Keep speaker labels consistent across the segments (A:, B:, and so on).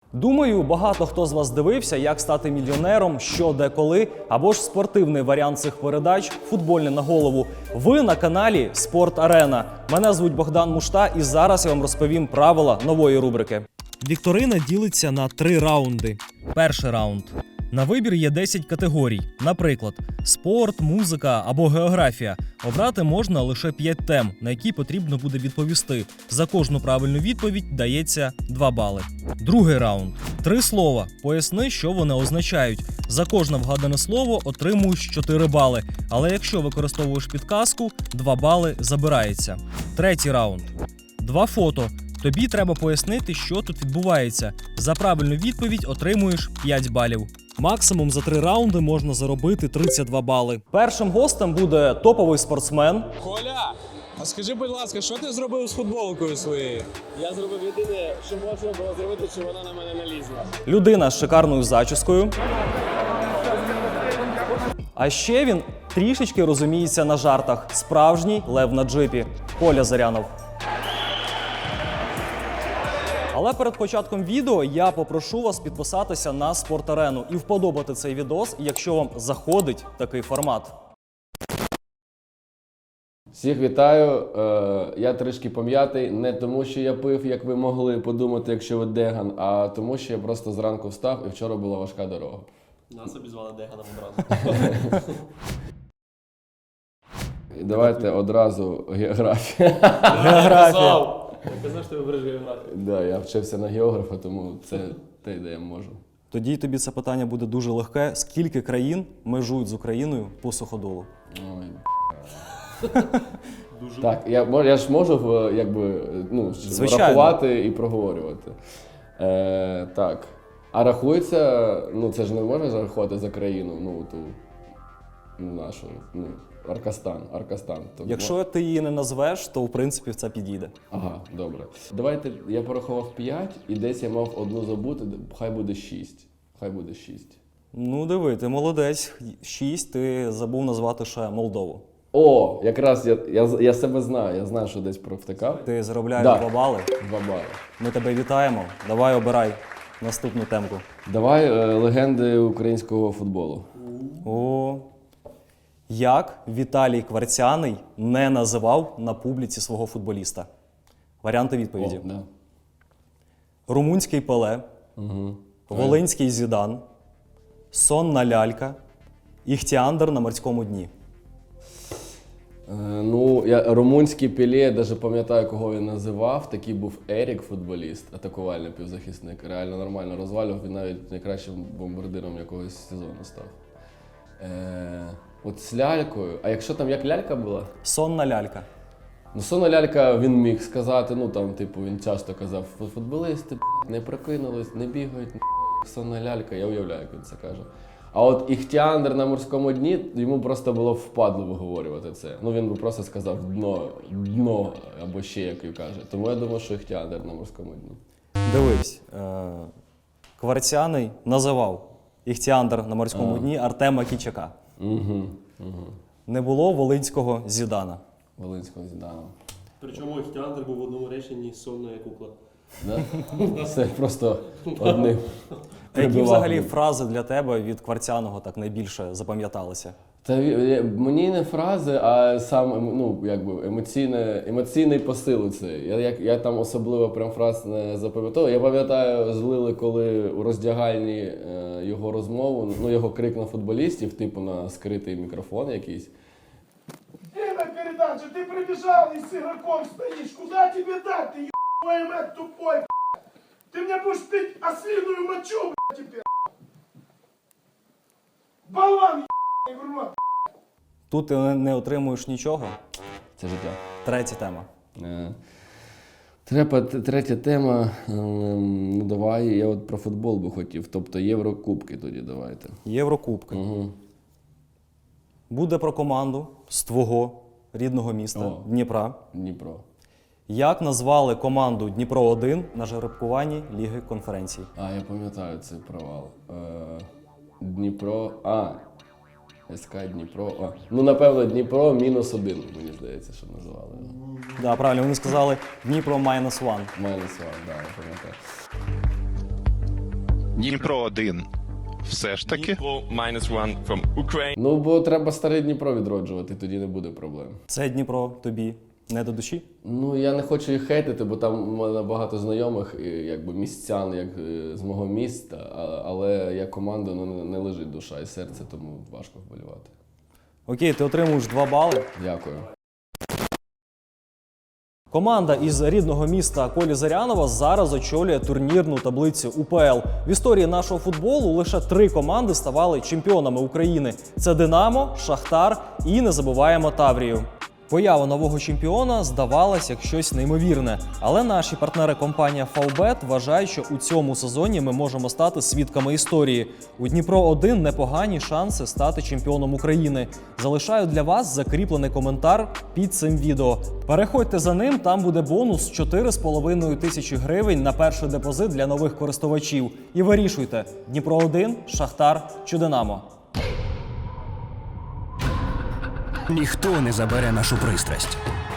A: Думаю, багато хто з вас дивився, як стати мільйонером, що, де, коли, або ж спортивний варіант цих передач «Футбольне на голову». Ви на каналі «Спорт Арена». Мене звуть Богдан Мушта, і зараз я вам розповім правила нової рубрики. Вікторина ділиться на 3 раунди. Перший раунд. На вибір є 10 категорій. Наприклад, спорт, музика або географія. Обрати можна лише 5 тем, на які потрібно буде відповісти. За кожну правильну відповідь дається 2 бали. Другий раунд. 3 слова. Поясни, що вони означають. За кожне вгадане слово отримуєш 4 бали. Але якщо використовуєш підказку, 2 бали забирається. Третій раунд. 2 фото. Тобі треба пояснити, що тут відбувається. За правильну відповідь отримуєш 5 балів. Максимум за 3 раунди можна заробити 32 бали. Першим гостем буде топовий спортсмен.
B: Коля, а скажи, будь ласка, що ти зробив з футболкою своєю?
C: Я зробив єдине, що можна було зробити, щоб вона на мене налізла.
A: Людина з шикарною зачіскою. А ще він трішечки розуміється на жартах. Справжній лев на джипі. Коля Зарянов. Але перед початком відео я попрошу вас підписатися на Спорт-Арену і вподобати цей відос, якщо вам заходить такий формат.
C: Всіх вітаю. Я трішки пом'ятий. Не тому, що я пив, як ви могли подумати, якщо ви Деган, а тому, що я просто зранку встав і вчора була важка дорога.
D: Нас обізвали Деганом одразу.
C: І давайте одразу географія.
A: Географія.
D: Я казав, що ти вибереш географію.
C: Да, я вчився на географа, тому це те, де я можу.
A: Тоді тобі це питання буде дуже легке. Скільки країн межують з Україною по суходолу?
C: Ой. Так, я ж можу
A: Звичайно.
C: рахувати і проговорювати. Так. А рахується, це ж не можна зарахувати за країну, ту нашу, Аркастан.
A: Якщо ти її не назвеш, то в принципі це підійде.
C: Ага, добре. Давайте, я порахував 5 і десь я мав одну забути, хай буде 6.
A: Ну диви, ти молодець. 6, ти забув назвати ще Молдову.
C: О, якраз я себе знаю, я знаю, що десь провтикав.
A: Ти заробляєш
C: Да.
A: 2 бали.
C: 2 бали.
A: Ми тебе вітаємо. Давай обирай наступну темку.
C: Давай легенди українського футболу.
A: О, як Віталій Кварцяний не називав на публіці свого футболіста? Варіанти відповіді.
C: О, да.
A: Румунський Пеле, Волинський Зідан, Сонна лялька, Іхтіандр на морському дні.
C: Я румунський Пеле, я навіть пам'ятаю, кого він називав. Такий був Ерік, футболіст, атакувальний півзахисник. Реально нормально розвалював, він навіть найкращим бомбардиром якогось сезону став. От з лялькою. А якщо там як лялька була?
A: Сонна лялька.
C: Сонна лялька він міг сказати, він часто казав, футболісти не прокинулись, не бігають, сонна лялька, я уявляю, як він це каже. А от Іхтіандр на морському дні, йому просто було впадло виговорювати це. Він би просто сказав дно, або ще як він каже. Тому я думаю, що Іхтіандр на морському дні.
A: Дивись, Кварцяний називав Іхтіандр на морському дні Артема Кічака. Не було волинського Зідана.
C: Волинського Зідана.
D: Причому Іхтіандр був в одному реченні сонна кукла.
C: Да? Це просто одним.
A: А які взагалі фрази для тебе від Кварцяного так найбільше запам'яталися?
C: Мені не фрази, а сам емоційний посил цей. Я там особливо прям фраз не запам'ятав. Я пам'ятаю, злили, коли у роздягальні його розмову, його крик на футболістів, типу на скритий мікрофон якийсь.
E: На передаче, ты прибежал и с игроком стоишь. Куда тебе дать? Ты ебаный мать тупой, блядь. Ты мне будешь пить ослиную мочу, блядь, теперь. Болван, ебаный в рот.
A: Тут ти не отримуєш нічого.
C: Це життя.
A: Третя тема.
C: Третя тема. Давай, я от про футбол би хотів. Тобто Єврокубки тоді давайте.
A: Єврокубки. Буде про команду з твого рідного міста Дніпра.
C: Дніпро.
E: Як назвали команду Дніпро-1 на жеребкуванні Ліги конференцій?
C: А, я пам'ятаю цей провал. Дніпро. СК Дніпро. Ну, напевно, Дніпро -1, мені здається, що називали його.
E: Да, правильно, вони сказали Дніпро -1.
C: -1, да, я пам'ятаю.
F: Дніпро 1. Все ж таки.
G: Dnipro -1 from Ukraine.
C: Ну, бо треба старий Дніпро відроджувати, тоді не буде проблем.
A: Це Дніпро тобі не до душі?
C: Ну, я не хочу їх хейтити, бо там у мене багато знайомих, і, якби містян, як з мого міста, але як команда ну, не лежить душа і серце, тому важко вболівати.
A: Окей, ти отримуєш 2 бали.
C: Дякую.
A: Команда із рідного міста Колі Зарянова зараз очолює турнірну таблицю УПЛ. В історії нашого футболу лише 3 команди ставали чемпіонами України. Це Динамо, Шахтар і, не забуваємо, Таврію. Поява нового чемпіона здавалась як щось неймовірне, але наші партнери компанія Фавбет вважають, що у цьому сезоні ми можемо стати свідками історії. У Дніпро-1 непогані шанси стати чемпіоном України. Залишаю для вас закріплений коментар під цим відео. Переходьте за ним, там буде бонус 4,5 тисячі гривень на перший депозит для нових користувачів. І вирішуйте: Дніпро-1, Шахтар чи Динамо.
H: Ніхто не забере нашу пристрасть.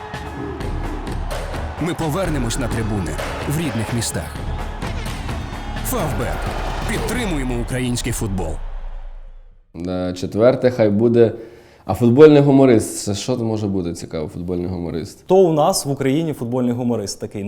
H: Ми повернемось на трибуни в рідних містах. Фавбет. Підтримуємо український футбол.
C: Четверте, хай буде. А футбольний гуморист. Це що може бути цікаво, футбольний гуморист?
A: Хто у нас в Україні футбольний гуморист такий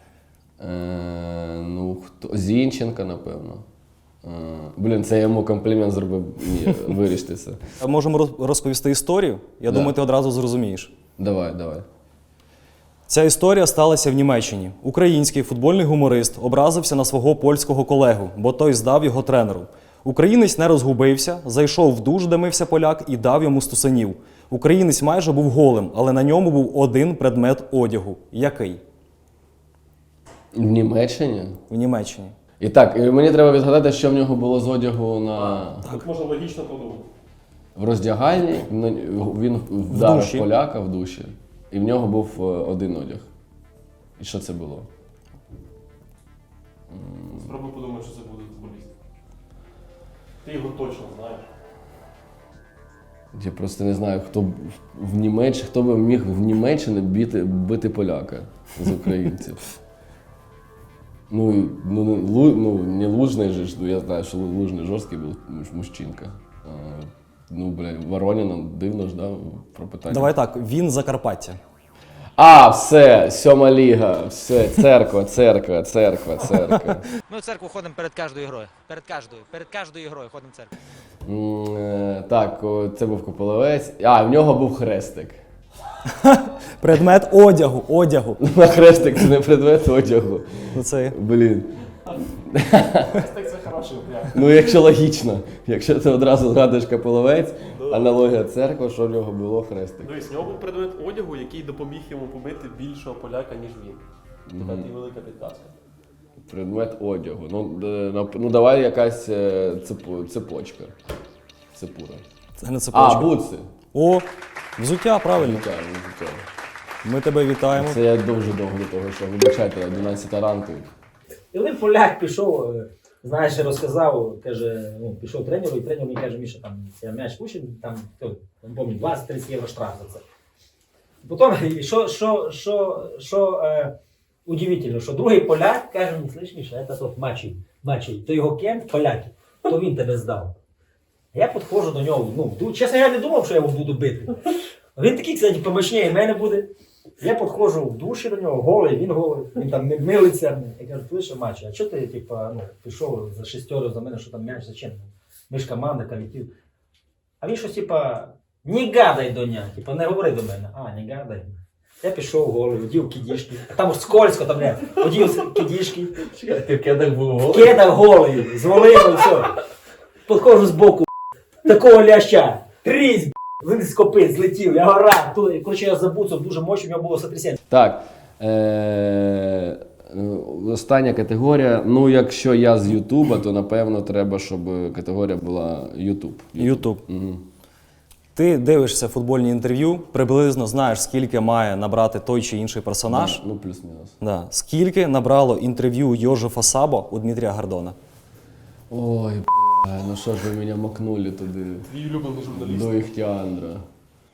C: Ну, хто? Зінченка, напевно. Блін, це я йому комплімент зробив. Ні, виріште це.
A: Можемо розповісти історію? Я думаю, ти одразу зрозумієш.
C: Давай.
A: Ця історія сталася в Німеччині. Український футбольний гуморист образився на свого польського колегу, бо той здав його тренеру. Українець не розгубився, зайшов в душ, де мився поляк, і дав йому стусанів. Українець майже був голим, але на ньому був один предмет одягу. Який?
C: В Німеччині?
A: В Німеччині.
C: І так, і мені треба відгадати, що в нього було з одягу на...
D: Тут можна логічно подумати.
C: В роздягальні. Він вдарив
A: душі.
C: поляка в душі. І в нього був один одяг. І що це було?
D: Спробуй подумати, що це буде футболіст. Ти його точно знаєш.
C: Я просто не знаю, хто би міг в Німеччині бити поляка з українців. Не Лужний же, я знаю, що Лужний жорсткий був мужчинка. Воронина, дивно ж, да, про питання.
A: Давай так, він Закарпаття.
C: Все, 7-ма ліга, все, церква.
I: Ми в церкву ходимо перед кожною грою. Перед кожною грою ходимо в церкву.
C: Так, це був Кополовець. В нього був хрестик.
A: Предмет одягу.
C: А хрестик це не предмет одягу.
A: Ну, це...
C: Блін.
D: Хрестик це хороший варіант.
C: Ну, якщо логічно. Якщо ти одразу згадуєш Кополовець, аналогія церква, що в нього було хрестик.
D: Дивись, в нього був предмет одягу, який допоміг йому побити більшого поляка, ніж він. Така ти велика підказка.
C: Предмет одягу. Ну давай якась цепочка. Цепура.
A: Це не цепочка.
C: Бутси.
A: О, взуття, правильно.
C: Взуття.
A: Ми тебе вітаємо.
C: Це я дуже довго до того, що вибачайте, 11 ранку.
J: І один поляк пішов, знаєш, розказав, каже, пішов тренеру, і тренер мені каже, Міша, там, я м'яч пущу, там, не пам'ятаю, 20-30 євро штраф за це. Потім, що удивительно, що другий поляк каже мені, слышь, Міша, це тот Мачий, то його кент, поляки, то він тебе здав. Я підходжу до нього, чесно, я не думав, що я його буду бити. Він такий, кстати, помощніше мене буде. Я підходжу в душі до нього, голий, він голий, він там милиться. Я кажу, слышь, Мачо, а чого ти пішов за шестерю за мене, що там м'яч, зачем? Ми ж команда, колектив. А він щось, не гадай до нього, не говори до мене. Не гадай. Я пішов голий, одів кидішки. А там скользко, там не, одів кидішки.
C: Ти в кедах був голий?
J: В кедах голий, звалив, все. Підходжу збоку, такого ляща, трісь, він з копит злетів, я гора, коротше, я забуцав дуже мощно, в нього було сотрясіння.
C: Так, остання категорія. Якщо я з Ютуба, то напевно треба, щоб категорія була Ютуб. Угу.
A: Ти дивишся футбольні інтерв'ю, приблизно знаєш, скільки має набрати той чи інший персонаж.
C: Плюс-мінус.
A: Да. Скільки набрало інтерв'ю Йожефа Сабо у Дмитрія Гордона?
C: Ой, що ж ви мене макнули туди.
D: Твій улюблений журналіст.
C: До Іхтіандра.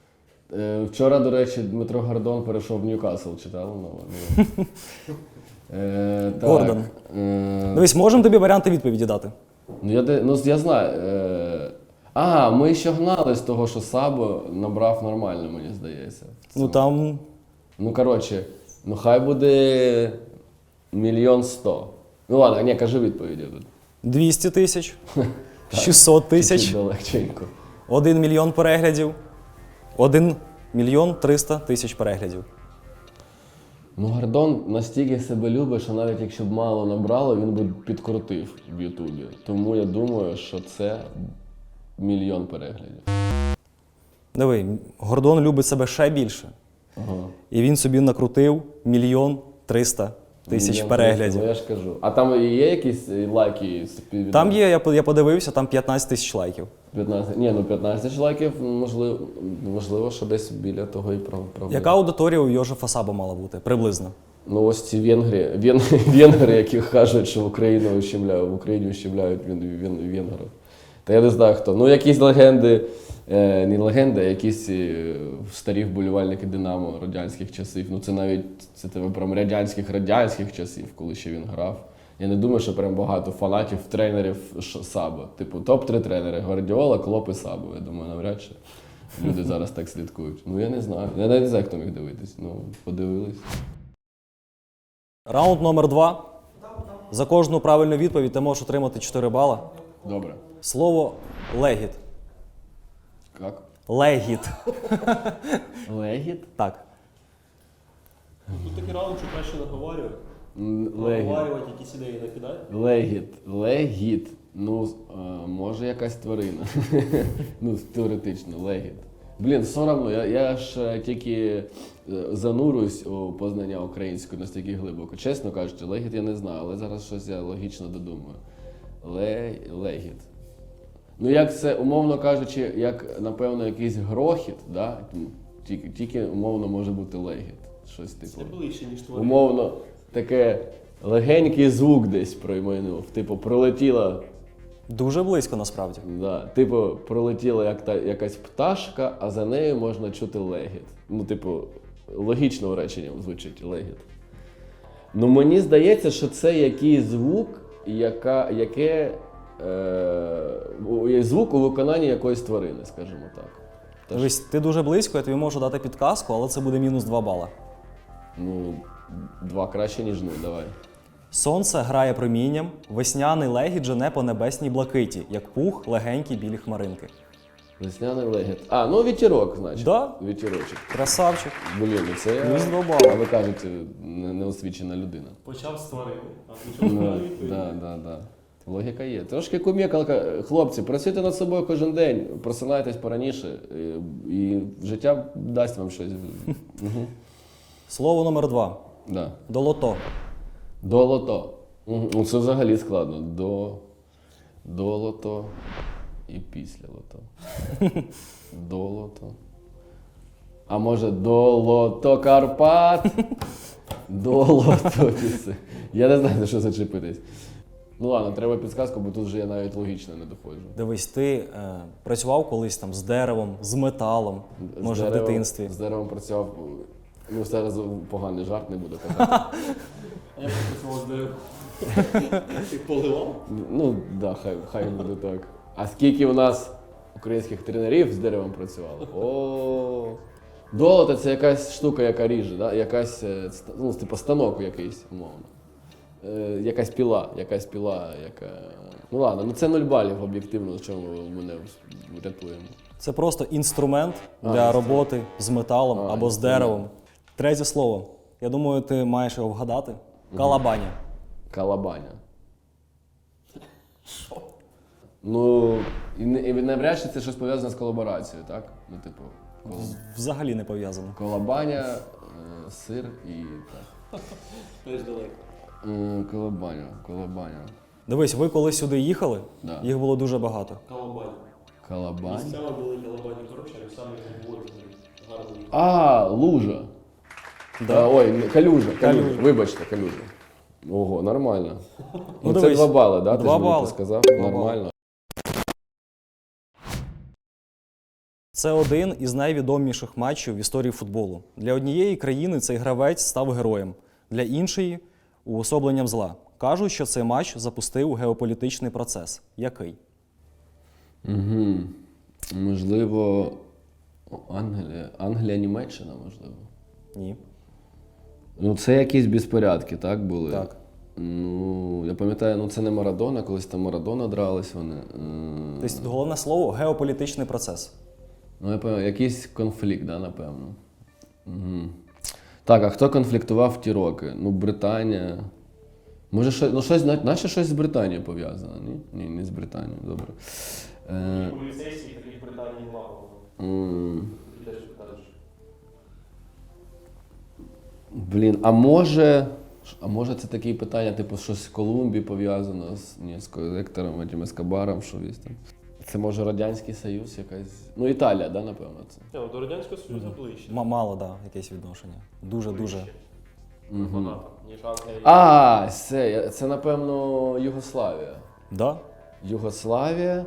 C: Вчора, до речі, Дмитро Гордон перейшов в Ньюкасл, читав? Так,
A: Гордон. Дивись, можемо тобі варіанти відповіді дати?
C: Я знаю. Ми ще гнали з того, що Сабо набрав нормально, мені здається.
A: Ну там
C: Ну, коротше, хай буде 1 100 000. Ну ладно, ні, кажи відповіді тут.
A: 200 тисяч, 600 тисяч,
C: Чуть-чуть далеченько.
A: 1 мільйон переглядів, 1 мільйон 300 тисяч переглядів.
C: Ну, Гордон настільки себе любить, що навіть якщо б мало набрало, він би підкрутив в Ютубі. Тому я думаю, що це 1 мільйон переглядів.
A: Диви, Гордон любить себе ще більше.
C: Ага.
A: І він собі накрутив 1 мільйон 300 тисяч
C: 1
A: переглядів.
C: Ну, я ж кажу. А там є якісь лайки?
A: Там є, я подивився, там 15 тисяч лайків.
C: 15. Ні, 15 тисяч лайків, можливо, що десь біля того і правда.
A: Яка аудиторія у Йожефа Сабо мала бути? Приблизно.
C: Ну ось ці венгри, які кажуть, що в Україні ущемляють венгрів. Та я не знаю хто. Ну якісь легенди, не легенди, а якісь старі вболівальники Динамо радянських часів. Ну це тебе прям радянських часів, коли ще він грав. Я не думаю, що прям багато фанатів, тренерів Сабо. Типу топ-3 тренери: Гвардіола, Клоп і Сабо. Я думаю, навряд чи люди зараз так слідкують. Ну я не знаю. Я навіть не знаю, хто міг дивитись. Ну, подивились.
A: Раунд номер 2. За кожну правильну відповідь ти можеш отримати 4 бала.
C: Добре.
A: Слово легіт.
C: Як?
A: Легіт.
C: Легіт?
A: Так.
D: Тут такий раунд, що краще наговорювати.
C: Легіт.
D: Наговорювати якісь ідеї накидати.
C: Легіт. Ну, може якась тварина. Ну, теоретично, легіт. Блін, соромно, я ж тільки занурююсь у познання української настільки глибоко. Чесно кажучи, легіт я не знаю, але зараз щось я логічно додумаю. Легіт. Ну, як це, умовно кажучи, як, напевно, якийсь грохіт, да? Тільки умовно може бути легіт. Щось типу.
D: Це ближче, ніж тварина.
C: Умовно, таке легенький звук десь промайнув. Типу, пролетіла.
A: Дуже близько насправді.
C: Да. Типу, пролетіла якась пташка, а за нею можна чути легіт. Ну, типу, логічно реченням звучить легіт. Ну, мені здається, що це якийсь звук, звук у виконанні якоїсь тварини, скажімо так.
A: Дивись, ти дуже близько, я тобі можу дати підказку, але це буде мінус 2 бала.
C: Ну, 2 краще, ніж 0, давай.
A: Сонце грає промінням, весняний легіт жене по небесній блакиті, як пух легенькі білі хмаринки.
C: Весняний легіт. Ну вітірок, значить.
A: Да?
C: Вітірочок.
A: Красавчик.
C: Блін, ну це я...
A: Плюс 2 бали.
C: А ви кажете, неосвічена людина.
D: Почав з тварини, а нічого не відповідь.
C: Да. Логіка є. Трошки кумекалка. Хлопці, працюйте над собою кожен день, просинайтесь пораніше, і життя дасть вам щось. Угу.
A: Слово номер 2.
C: Да.
A: Долото.
C: Долото. Ну, це взагалі складно. До лото і після лото. Долото. А може долото Карпат? Долото піси. Я не знаю, за що зачепитись. Ну ладно, треба підсказку, бо тут вже я навіть логічно не доходжу.
A: Дивись, ти працював колись там з деревом, з металом, може в дитинстві.
C: З деревом працював. Ну, зараз поганий жарт, не буду казати.
D: А я працював з деревом. Ти поливав?
C: Ну, так, хай буде так. А скільки у нас українських тренерів з деревом працювало? О, долото – це якась штука, яка ріже, да? Якась, ну, типу станок якийсь, умовно. Якась піла, яка... Ну ладно, ну це 0 балів об'єктивно, в чому мене врятуємо.
A: Це просто інструмент для роботи з металом або з деревом. Третє слово. Я думаю, ти маєш його вгадати. Калабаня.
C: Калабаня. Що? Ну, і навряд чи це щось пов'язане з колаборацією, так? Ну, типу,
A: Взагалі не пов'язано.
C: колабаня, сир і так.
D: Теж далеко.
C: Колабаня.
A: Дивись, ви коли сюди їхали,
C: Да.
A: їх було дуже багато.
D: Калабань. Місцями були калабані хороші, а самі говорили гарно.
C: А, лужа.
A: Да.
C: Ой, калюжа.
A: Калюжа.
C: Вибачте, калюжа. Ого, нормально. Ну, це
A: дивись,
C: 2 бали, да?
A: 2
C: Ти
A: бали.
C: ж сказав?
A: 2
C: Нормально.
A: Це один із найвідоміших матчів в історії футболу. Для однієї країни цей гравець став героєм, для іншої Уособленням зла. Кажуть, що цей матч запустив геополітичний процес. Який?
C: Угу. Можливо, Англія, Німеччина, можливо.
A: Ні.
C: Ну, це якісь безпорядки, так, були?
A: Так.
C: Ну, я пам'ятаю, ну це не Марадона, колись там Марадона дрались вони.
A: Тобто головне слово – геополітичний процес.
C: Ну, я пам'ятаю, якийсь конфлікт, да, напевно. Угу. Так, а хто конфліктував в ті роки? Ну, Британія. Може, наче щось з Британією пов'язано, ні? Ні, не з Британією, добре.
D: Поліцейських таких в Британії немає.
C: Блін, а може це такі питання, типу, щось з Колумбією пов'язано з Ектором, этим Ескобаром, що віз там. Це може Радянський Союз якась. Ну, Італія, да, напевно, це.
D: До Радянського Союзу ближче.
A: Мало, да, якесь відношення. Дуже-дуже.
D: Багато, ніж Англія.
C: Це, напевно, Югославія.
A: Да?
C: Югославія.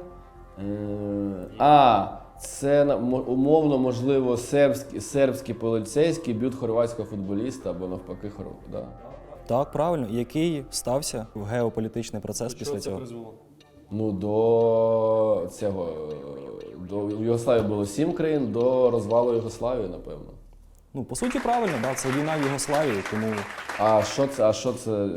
C: Це умовно, можливо, сербські поліцейські б'ють хорватського футболіста або навпаки да.
A: Так, правильно. Який стався в геополітичний процес після цього?
C: Ну, до в Югославії було 7 країн, до розвалу Югославії, напевно.
A: Ну, по суті, правильно, да, це війна в Югославії, тому...
C: що це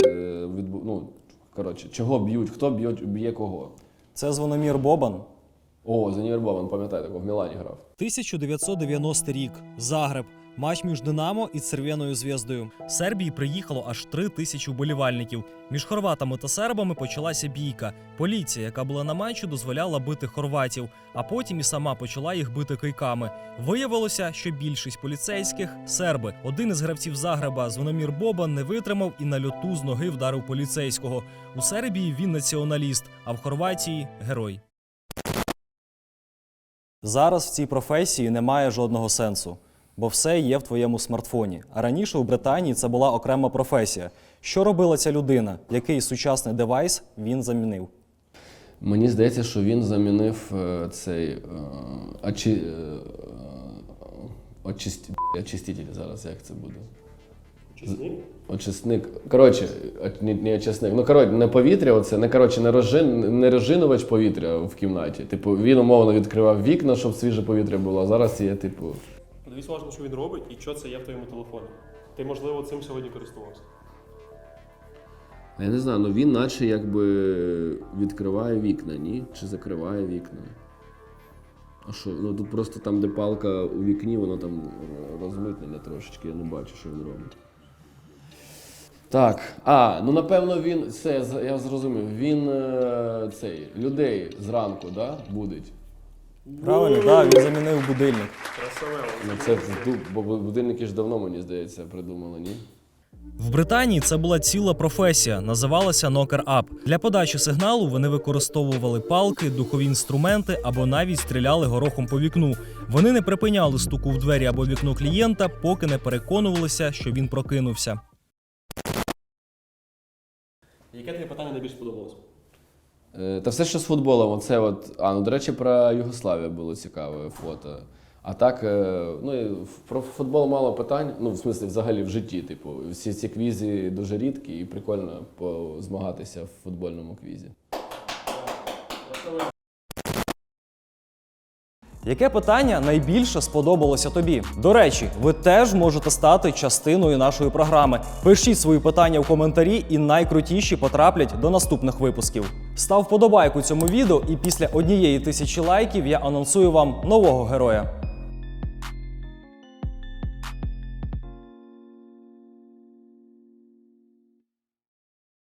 C: чого б'ють? Хто б'є кого?
A: Це Звономір Бобан.
C: О, Звономір Бобан, пам'ятаю, такого в Мілані грав.
A: 1990 рік. Загреб. Матч між «Динамо» і «Цервєною зв'яздою». З Сербії приїхало аж 3000 вболівальників. Між хорватами та сербами почалася бійка. Поліція, яка була на матчі, дозволяла бити хорватів, а потім і сама почала їх бити кийками. Виявилося, що більшість поліцейських – серби. Один із гравців Загреба, Звономір Бобан, не витримав і на льоту з ноги вдарив поліцейського. У Сербії він націоналіст, а в Хорватії – герой. Зараз в цій професії немає жодного сенсу, бо все є в твоєму смартфоні. А раніше у Британії це була окрема професія. Що робила ця людина? Який сучасний девайс він замінив?
C: Мені здається, що він замінив цей очиститель зараз, як це буде? Очисник. Коротше, не очисник. Ну, не повітря, не розжинувач повітря в кімнаті. Типу, він умовно відкривав вікна, щоб свіже повітря було, а зараз є, типу...
D: Подивись уважно, що він робить і що це є в твоєму телефоні. Ти, можливо, цим сьогодні користувався.
C: Я не знаю, ну він наче якби відкриває вікна, ні? Чи закриває вікна? А що? Ну тут просто там, де палка у вікні, воно там розмитнене трошечки, я не бачу, що він робить. Так, ну напевно він, я зрозумів, він людей зранку, да, будить?
A: Правильно, так, він замінив будильник.
C: Бо будильники ж давно, мені здається, придумали, ні?
A: В Британії це була ціла професія, називалася «нокер-ап». Для подачі сигналу вони використовували палки, духові інструменти або навіть стріляли горохом по вікну. Вони не припиняли стуку в двері або вікно клієнта, поки не переконувалися, що він прокинувся.
D: Яке тобі питання найбільше сподобалось?
C: Та все, що з футболом, до речі, про Югославію було цікаве фото. А так, про футбол мало питань, ну, в смислі, взагалі в житті, типу, всі ці квізи дуже рідкі і прикольно змагатися в футбольному квізі.
A: Яке питання найбільше сподобалося тобі? До речі, ви теж можете стати частиною нашої програми. Пишіть свої питання в коментарі, і найкрутіші потраплять до наступних випусків. Став вподобайку цьому відео, і після 1000 лайків я анонсую вам нового героя.